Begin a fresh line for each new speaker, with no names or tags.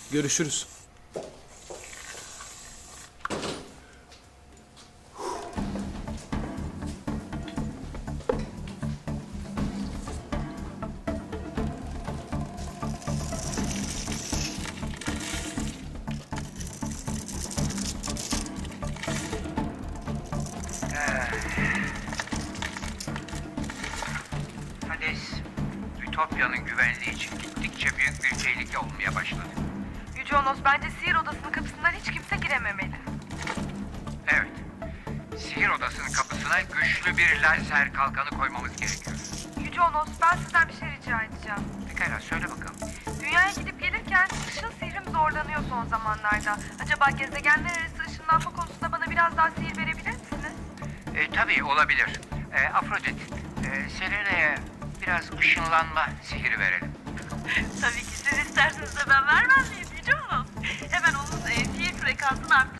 Görüşürüz.
Hades, Ütopya'nın güvenliği için gittikçe büyük bir tehlike olmaya başladı.
Yüce Onos, bence sihir odasının kapısından hiç kimse girememeli.
Evet, sihir odasının kapısına güçlü bir lazer kalkanı koymamız gerekiyor.
Yüce Onos, ben sizden bir şey rica edeceğim.
Pekala, söyle bakalım.
Dünyaya gidip gelirken ışın sihrim zorlanıyor son zamanlarda. Acaba gezegenler arası ışınlanma konusunda bana biraz daha sihir verebilir misiniz?
Tabii olabilir. Afrodit, Selena'ya biraz ışınlanma sihiri verelim.
Tabii ki siz isterseniz de ben vermez miyim Yüce Onos? Hemen onun sihir frekansını arttırıp